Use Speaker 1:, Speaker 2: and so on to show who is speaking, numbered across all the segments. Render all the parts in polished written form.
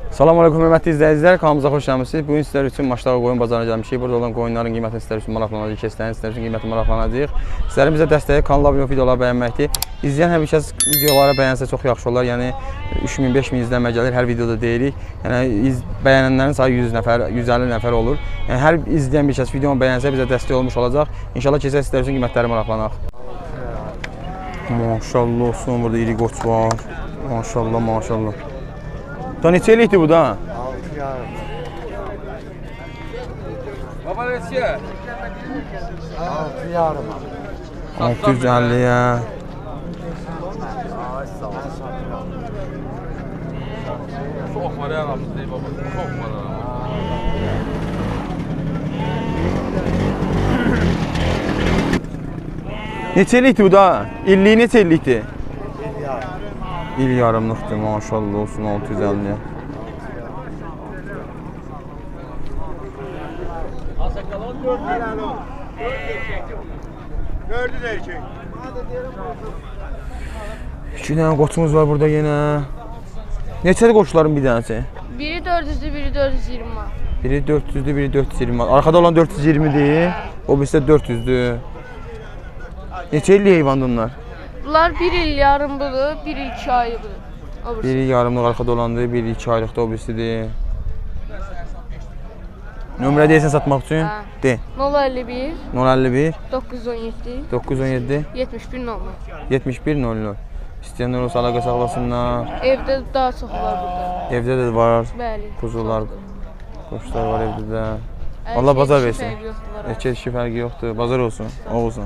Speaker 1: Salam aleyküm hörmətli izləyicilər, kanalımıza xoş gəlmisiniz. Bugün sizlər üçün Maçdağı qoyun bazarına gəlmişik. Burada olan qoyunların qiymətini sizlər üçün maraqlanacaq, keçlərin sizlər üçün qiymətini maraqlanacaq. Sizlərin bizə dəstəyi kanala abunə olub videoları bəyənməkdir. İzləyən hər bir kəs videoları bəyənsə çox yaxşı olar. Yəni 3000-5000 izlənmə gəlir hər videoda deyirik. Yəni bəyənənlərin sayı 100 nəfər, 150 nəfər olur. Yəni hər izləyən bir kəs videonu bəyənsə bizə dəstək olmuş olacaq. İnşallah keçək sizlər üçün qiymətləri maraqlanaq. Maşallah olsun, burada iri qoç var. Maşallah, maşallah. Da neçə eləkdir bu da?
Speaker 2: 6 yarım.
Speaker 3: Baba neçə?
Speaker 2: 6 yarım.
Speaker 1: 650'ye.
Speaker 3: Çox var aramızda baba. Çox var aramızda.
Speaker 1: Neçə eləkdir bu da? İlliyi neçə eləkdir?
Speaker 2: 1 yarım.
Speaker 1: İl yarımlıqdır, maşallah olsun 650'ye.
Speaker 3: Asakalan 4 lira. 4 erkek.
Speaker 1: İki dənə qoçumuz var burada yenə. Neçədir qoçların bir dənəsi?
Speaker 4: Biri 400'dü, biri 420 manat.
Speaker 1: Biri 400'dür, biri 420 manat. Arkada olan 420'dir, o birisi də 400'dür. Neçə illik heyvandır onlar?
Speaker 4: Bunlar 1 il yarımlıdır, 1 il 2 aylıdır.
Speaker 1: Biri yarımlıq arkada olandır, biri 2 aylıqda o birisidir. Nömrə deyəsən satmaq üçün?
Speaker 4: Hə.
Speaker 1: De.
Speaker 4: 051
Speaker 1: 051
Speaker 4: 917
Speaker 1: 917
Speaker 4: 71 00.
Speaker 1: 71 00. İstəyənlər olsa əlaqə saxlasınlar.
Speaker 4: Evdə daha çox var burada.
Speaker 1: Evdə də var.
Speaker 4: Bəli.
Speaker 1: Kuzular, qoçlar var evdə də.
Speaker 4: Hər
Speaker 1: Allah
Speaker 4: şey
Speaker 1: bazar
Speaker 4: kişi
Speaker 1: versin.
Speaker 4: fərqi yoxdur.
Speaker 1: Erkək dişi fərqi yoxdur. Bazar olsun. Olsun.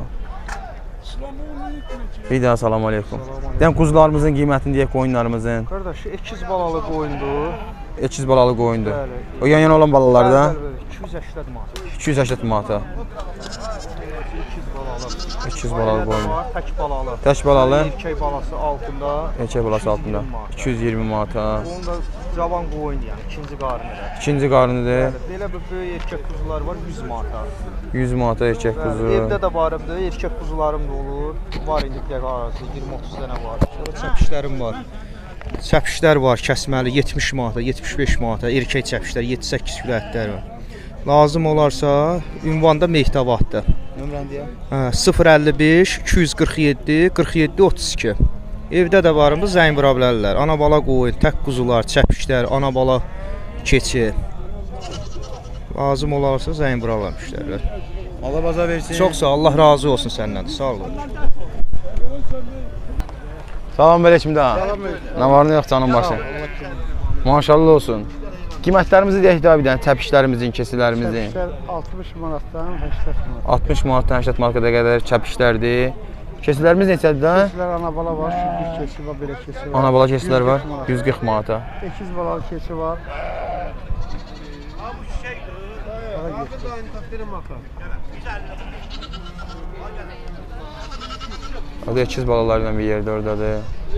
Speaker 1: Bir daha salam aleykum. Deyəm quzularımızın qiymətini deyək, qoyunlarımızın.
Speaker 2: Qardaş, ekiz balalı qoyundur.
Speaker 1: Ekiz balalı qoyundur.
Speaker 2: Bəli.
Speaker 1: O yan-yana olan balalar da
Speaker 2: 280 manat.
Speaker 1: 280 manata.
Speaker 2: Ekiz balalı.
Speaker 1: Ekiz balalı qoyun.
Speaker 2: Var, tək balalı.
Speaker 1: Tək balalı,
Speaker 2: Erkək balası altında.
Speaker 1: erkək balası altında. 220 manata.
Speaker 2: Onun da cavan qoyun yəni, ikinci qarnı elə.
Speaker 1: İkinci qarnıdır.
Speaker 2: Bəli, belə bir böyük erkək kuzular var 100 manata.
Speaker 1: 100 manata erkək kuzu.
Speaker 2: Evdə də varımdır, erkək kuzularım da olur. Var indi bir dəqiqə arası 20-30 dənə var. Sonra çəpişlərim var. Çəpişlər var, kəsməli 70 manata, 75 manata, erkək çəpişlər 7-8 kilo ətlər var. Lazım olarsa ünvanda Mehtavaddır.
Speaker 1: Nömrəni deyə.
Speaker 2: 055 247 47 32. Evdə də varımdır, zəng vura bilərlər. Ana bala qoyun, tək quzular, çəpişlər, ana bala keçi. Lazım olarsa zəng vurarlar müştərilər.
Speaker 1: Allah bazar versin.
Speaker 2: Çox sağ ol, Allah razı olsun səndən. Sağ ol.
Speaker 1: Salam aleyküm da. Nə var nə yox canım başı. Maşallah olsun. Qiymətlərimizi deyək də bir dənə, təpişlərimizin, kesilərimizin.
Speaker 2: 60 manatdan 80 manat.
Speaker 1: 60 manatdan 80 manata qədər kəpişlərdir. Kesilərimiz neçədir də?
Speaker 2: Keçilər ana bala var, südlük keçi var, belə keçi var.
Speaker 1: Ana bala kesilər var, 140 manata.
Speaker 2: 8 balalı keçi var.
Speaker 1: O da ekiz balalarla bir yerdə oradadır.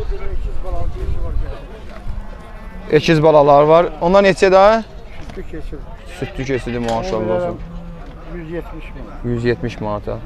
Speaker 1: Ekiz balalar var. Onlar neçə daha?
Speaker 2: Südlük keçi var.
Speaker 1: Südlü kesidir maşallah olsun.
Speaker 2: 170 manat.
Speaker 1: 170 manata.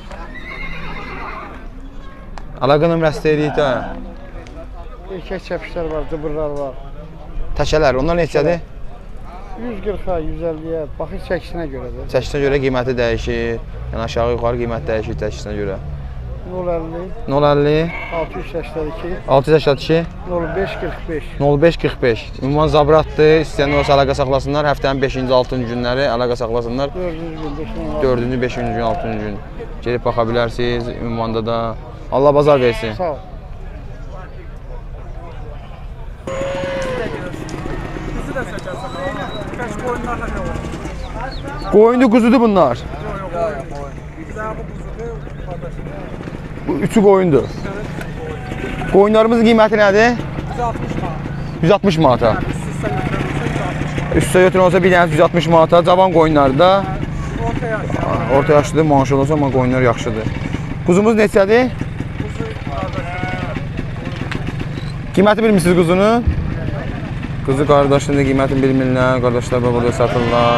Speaker 1: Əlaqə nömrəsi deyirik də.
Speaker 2: Erkək çəpişlər var, cıbırlar var.
Speaker 1: Təkələr, onlar neçədir?
Speaker 2: 140-a, 150-yə, baxır çəkisinə görədir.
Speaker 1: Çəkisinə görə qiyməti dəyişir. Yəni aşağı yuxarı qiymət dəyişir çəkisinə görə.
Speaker 2: 050,
Speaker 1: 050
Speaker 2: 682,
Speaker 1: 682
Speaker 2: 05 45.
Speaker 1: 05 45. Ünvan Zabratdır. İstəyənlər olsa əlaqə saxlasınlar. Həftənin 5-ci, 6-cı günləri əlaqə saxlasınlar. 4-cü, 5-ci gün, 6-cı gün gelib baxa bilərsiniz ünvanda da. Allah bazar versin.
Speaker 2: Sağ ol.
Speaker 1: Qoyundu, quzudur bunlar. Bu üçü qoyundur. Qoyunlarımızın qiyməti nədir? 160 manata. Üstə götürən olsa bir dənə 160 manata. Cavan qoyunlar da. Orta yaşlıdır, maşallah olsa, amma qoyunlar yaxşıdır. Quzumuz neçədir? Qiyməti bilmirsiniz quzunun? Quzu qardaşının da qiymətini bilmirlər. Qardaşlar burada satırlar.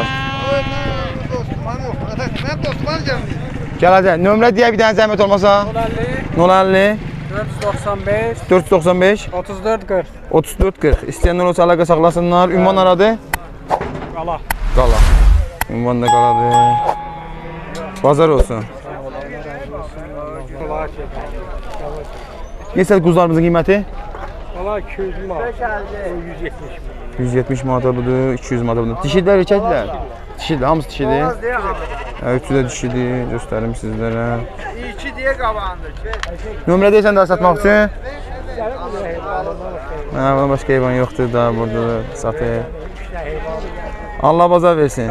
Speaker 1: Gəl hadi, nömrə deyə bir dənə zəhmət olmasa. 050
Speaker 5: 495
Speaker 1: 495
Speaker 5: 34 40
Speaker 1: 34-40. İstəyənlər olsa əlaqə saxlasınlar. Ünvan aradı?
Speaker 2: Qala.
Speaker 1: Qala. Ünvan da qaladır. Bazar olsun. Neçə quzularımızın qiyməti?
Speaker 2: Qala 200 manat. 170 manat.
Speaker 1: 170 manata budur, 200 manata budur. Dişidlər, erkəkdilər? Dişidir, hamısı dişidir. Üçü də dişidir, göstərim sizlərə.
Speaker 2: 2 deyə qabandır.
Speaker 1: Nömrə deyirsən daha satmaq üçün? Buna başqa heyvan yoxdur da, burada satır. Allah bazar versin.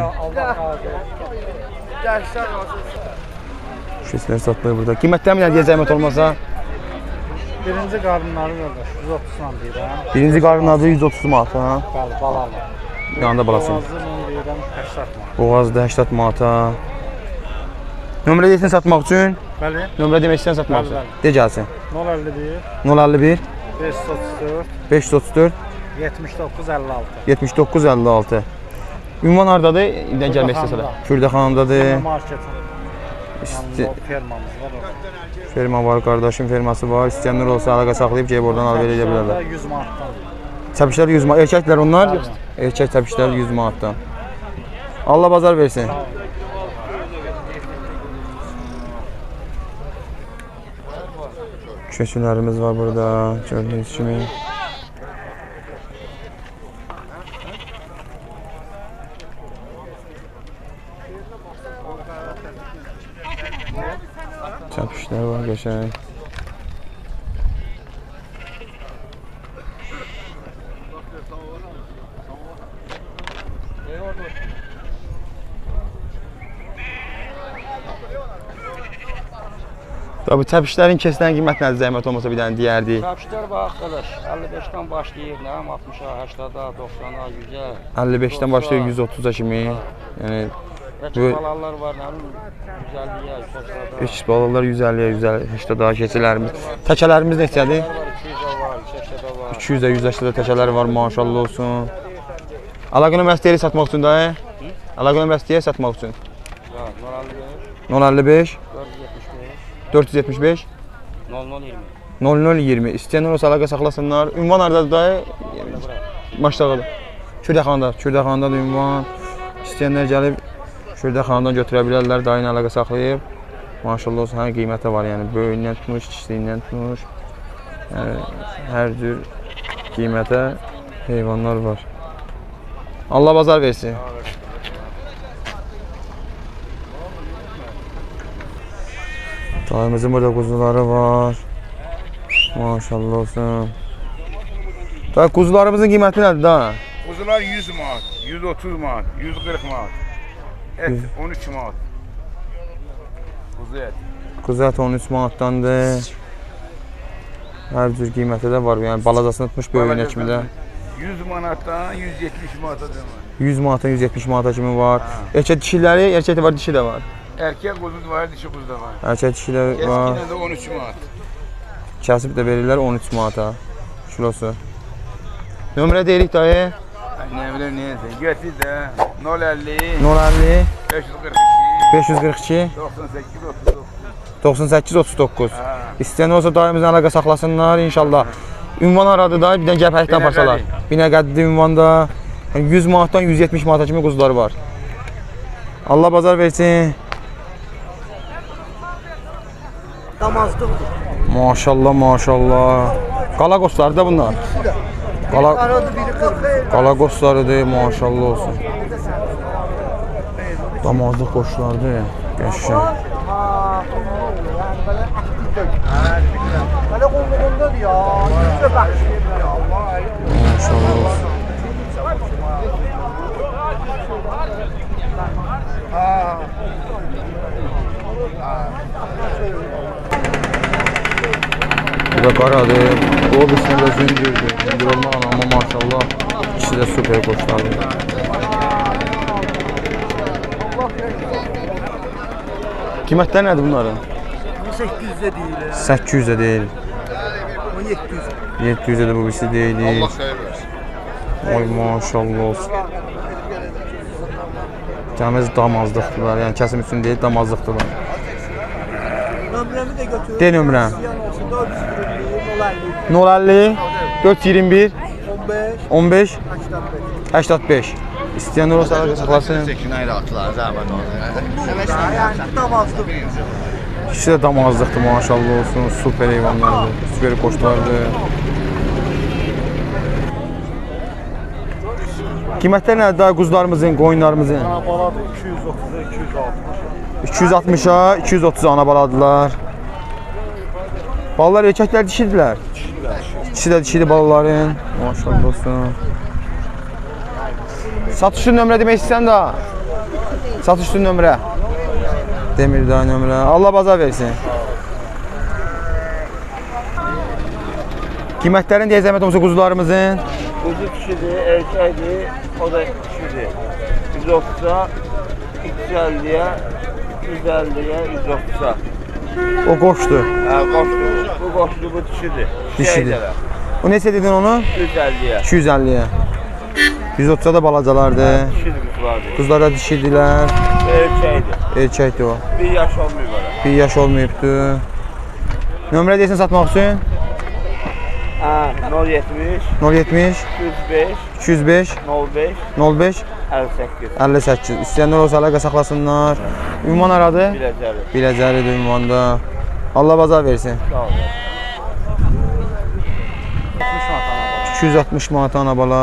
Speaker 1: Şüslər satılır burada. Qiymətlər mi deyəcək zəhmət olmasa?
Speaker 2: Birinci qarınları qardaş 130 man deyirəm.
Speaker 1: Birinci qarın adı 130 manata.
Speaker 2: Bəli, balalı.
Speaker 1: Yanında balası.
Speaker 2: Boğazı mən deyirəm 80 manat.
Speaker 1: Boğazda 80 manata. Nömrə deyirsən satmaq üçün?
Speaker 2: Bəli.
Speaker 1: Nömrə demək istəyirsən satmaq üçün?
Speaker 2: Bəli,
Speaker 1: De gəlsin.
Speaker 2: 051
Speaker 1: 051
Speaker 2: 534
Speaker 1: 534
Speaker 2: 79 56.
Speaker 1: 79 56. Ünvan hardadır? İldən gəlmək istəsələr. Kürdəxanadadır.
Speaker 2: Marketin.
Speaker 1: İsti
Speaker 2: Fermamız var orada.
Speaker 1: ferma var, qardaşım ferması var. İstəyənlər olsa əlaqə saxlayıb gəlib oradan alıb verə bilərlər.
Speaker 2: 100 manatdan.
Speaker 1: Çəpişlər 100 manat. Erkəklər onlar? Erkək çəpişlər 100 manatdan. Allah bazar versin. Köçülərimiz var burada, gördüyünüz kimi. Çəpişlər var, qəşəng. Tabii çəpişlərin kesilən qiymət nədir zəhmət olmasa bir dənə deyərdik.
Speaker 5: Çəpişlər var arkadaş, 55-dən başlayır, nə 60-a, 80-a, 90-a, 100-ə.
Speaker 1: 55-dən başlayır 130-a kimi. Yəni
Speaker 5: Bəlkə balalar var, nə bilim, 150-yə, 130-a.
Speaker 1: iç balalar 150-yə, 180 daha keçilərimiz. Təkələrimiz neçədir?
Speaker 5: Var, 200-ə var, 280-ə var.
Speaker 1: 200-də 180-də təkələr var, maşallah olsun. Əlaqə nömrəsi deyir satmaq üçün da? Əlaqə nömrəsi deyir satmaq üçün. 055 475 0020. İstəyənlər olsa əlaqə saxlasınlar. Ünvan hardadır da? Maşdağıdır. Kürdəxanadadır ünvan. İstəyənlər gəlib Kürdəxanadan götürə bilərlər, dayın əlaqə saxlayıb. Maşallah olsun, hər qiymətə var, yəni böyüyündən tutmuş, kiçiliyindən tutmuş. Yəni hər cür qiymətə heyvanlar var. Allah bazar versin. Dayımızın burada quzuları var. Maşallah olsun. Dayı quzularımızın qiyməti nədir da?
Speaker 6: Quzular 100 manat, 130 manat, 140 manat. Et 13 manat. Quzu et.
Speaker 1: Quzu ət 13 manatdandır. Hər cür qiyməti də var. Yəni balacasını tutmuş böyüyünə kimi də.
Speaker 6: 100 manatdan 170 manata var.
Speaker 1: 100 manatdan 170 manata kimi var. Erkək dişiləri, erkək də var, dişi də var.
Speaker 6: Erkek kuzu da var, dişi kuzu da var.
Speaker 1: Erkək dişilər var.
Speaker 6: Eskiden de 13 manat.
Speaker 1: Kəsib də verirlər 13 manata kilosu. Nömrə deyirik dayı.
Speaker 6: Ne bileyim neyse. Getir de 050
Speaker 1: 050
Speaker 6: 542
Speaker 1: 542
Speaker 6: 98 39.
Speaker 1: 98 39. İstəyən olsa dayımızla əlaqə saxlasınlar inşallah. Ünvan aradı da, bir dənə gəlib həkdən parçalar. Binəqədidir ünvanda. 100 manatdan 170 manata kimi quzuları var. Allah bazar versin.
Speaker 2: Damazlıqdır.
Speaker 1: Maşallah, maşallah. Qala qosları da bunlar. Qala qoslarıdır, maşallah olsun. Damazlıq qoşlardır, qəşəng.
Speaker 2: Belə qulluğundadır ya. Yüzə bəxşir ya.
Speaker 1: Maşallah olsun. Bu da qaradır. O birisində də zündürdür. Zündür olmaq amma maşallah. İkisi də süper qoşlardır. Qiymətlər nədir bunların?
Speaker 2: 800-də deyil.
Speaker 1: 800-də deyil.
Speaker 2: O 700.
Speaker 1: 700-də də bu birisi deyil. Oy maşallah olsun. Təmiz damazlıqdılar. Yəni kəsim üçün deyil, damazlıqdılar.
Speaker 2: Nömrəmi də götür.
Speaker 1: De nömrəm.
Speaker 2: 421
Speaker 1: 050 421 15 85. İstəyənlər olsa əlaqə saxlasın. İkisi də damazlıqdır, maşallah olsun. Super heyvanlardır, super qoçlardır. Qiymətlər nədir daha quzularımızın, qoyunlarımızın?
Speaker 7: Ana baladır 230-a 260.
Speaker 1: 260-a 230 ana baladılar. Balalar erkəklər dişidirlər. İkisi də dişidir balaların. Maşallah olsun. Satış üçün nömrə demək istəyirsən də? Satış üçün nömrə. Demir daha nömrə. Allah bazar versin. Qiymətlərin deyə zəhmət olmasa quzularımızın?
Speaker 7: Kuzu kişidir, erkəkdir, o da kişidir. 130'a 250'ye 150'ye 130'a.
Speaker 1: O qoşdur.
Speaker 7: Ha, qoşdur. Bu qoşdur, bu dişidir.
Speaker 1: Dişidir. O neçə dedin onu?
Speaker 7: 250'ye.
Speaker 1: 250'ye. 130'a da balacalardır.
Speaker 7: Dişidir kuzulardır.
Speaker 1: Quzlar da dişidirlər.
Speaker 7: Erkəkdir.
Speaker 1: Erkəkdir o.
Speaker 7: 1 yaş olmuyor bana.
Speaker 1: 1 yaş olmayıbdır. Nömrə deyəsən satmaq üçün?
Speaker 7: Ha, 070
Speaker 1: 070
Speaker 7: 205
Speaker 1: 205
Speaker 7: 05
Speaker 1: 05
Speaker 7: 58.
Speaker 1: 58. İstəyənlər olsa əlaqə saxlasınlar. Ünvan aradı?
Speaker 7: Biləcəli.
Speaker 1: Biləcəlidir ünvanda. Allah bazar versin.
Speaker 7: Sağ olun.
Speaker 1: 260 manat ana bala.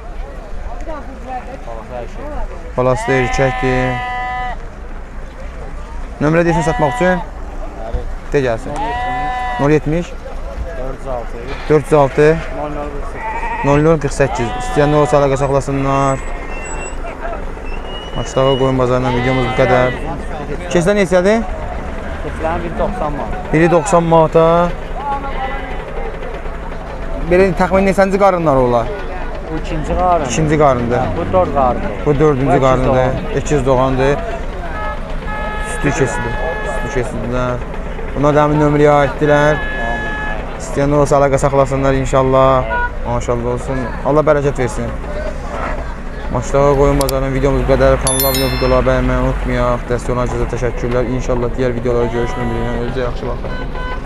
Speaker 1: Balası da erkəkdir. Nömrə deyəsən satmaq üçün? De gəlsin. 070 406 0048. İstəyənlər olsa əlaqə saxlasınlar. Maçlağa qoyun bazarından videomuz bu qədər. Keçlər neçədir?
Speaker 5: Keçilərin 190 manat.
Speaker 1: Biri 90 manata. Belə təxmin neçənci qarınlar olar?
Speaker 5: Bu ikinci qarın.
Speaker 1: İkinci qarındır.
Speaker 5: Bu 4 qarındır.
Speaker 1: Bu dördüncü qarındır. İkiz doğandır. Sütü kesilir. Sütü kesilirlər. Buna da həmin nömrəyə aiddirlər. İstəyənlər olsa əlaqə saxlasınlar inşallah. Maşallah olsun. Allah bərəkət versin. Maçlağa qoyun bazarının videomuz bu qədər. Kanala abunə olub videoları bəyənməyi unutmayaq. Dəstək olan herkese təşəkkürlər. İnşallah digər videolara görüşmək ümidi ilə. Özünüzə yaxşı baxın.